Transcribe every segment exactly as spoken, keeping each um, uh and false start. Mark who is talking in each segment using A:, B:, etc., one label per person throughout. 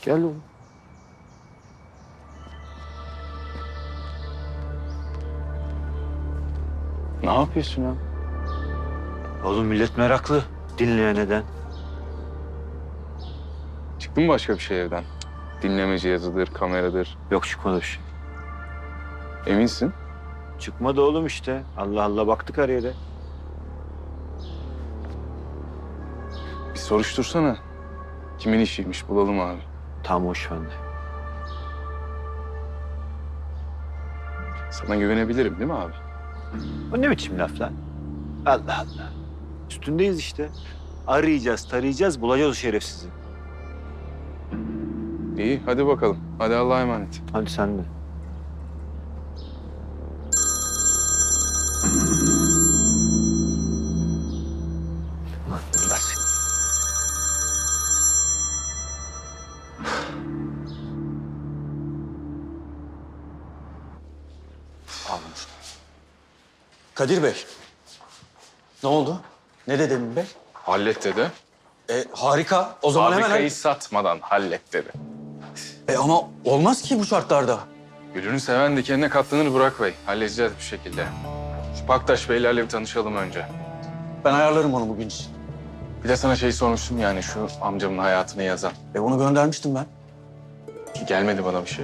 A: Gel oğlum. Ne yapıyorsun ya?
B: Oğlum millet meraklı. Dinleye neden?
A: Çıktı mı başka bir şey evden? Dinleme cihazıdır, kameradır.
B: Yok çıkmadı bir şey.
A: Eminsin?
B: Çıkmadı oğlum işte. Allah Allah baktık her yere.
A: Bir soruştursana. Kimin işiymiş bulalım abi.
B: Tam hoş bende.
A: Sana güvenebilirim değil mi abi?
B: O ne biçim laf lan? Allah Allah. Üstündeyiz işte. Arayacağız, tarayacağız, bulacağız o şerefsizi.
A: İyi hadi bakalım. Hadi Allah'a emanet.
B: Hadi sen de. Allah seni.
C: Kadir Bey. Ne oldu? Ne dedi Emin Bey?
A: Hallet dedi.
C: E, harika. O zaman hemen...
A: Fabrikayı satmadan hallet dedi.
C: E, ama olmaz ki bu şartlarda.
A: Gülünü seven dikenine katlanır Burak Bey. Halledeceğiz bir şekilde. Şu Paktaş Beylerle bir tanışalım önce.
C: Ben ayarlarım onu bugün için.
A: Bir de sana şey sormuştum yani şu amcamın hayatını yazan.
C: E, onu göndermiştim ben.
A: Gelmedi bana bir şey.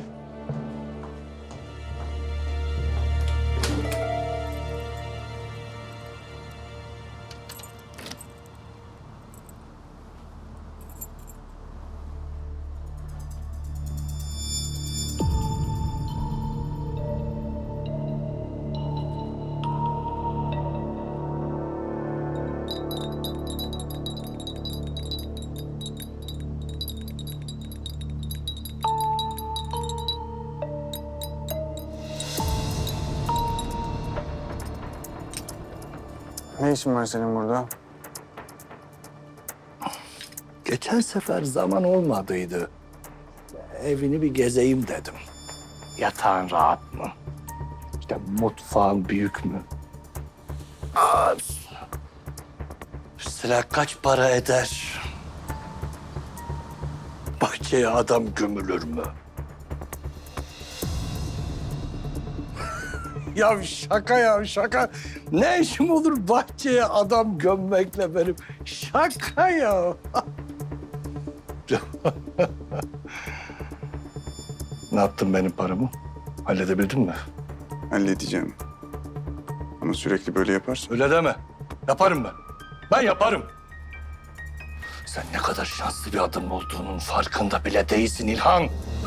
D: Ne işin var senin burada?
E: Geçen sefer zaman olmadıydı. Evini bir gezeyim dedim. Yatağın rahat mı? İşte mutfağın büyük mü? Az. Sıra kaç para eder? Bahçeye adam gömülür mü? Ya şaka ya şaka. Ne işim olur bahçeye adam gömmekle benim? Şaka ya. Ne yaptın benim paramı? Halledebildin mi?
D: Halledeceğim. Ama sürekli böyle yaparsan...
E: Öyle deme. Yaparım ben. Ben yaparım. Sen ne kadar şanslı bir adam olduğunun farkında bile değilsin İlhan.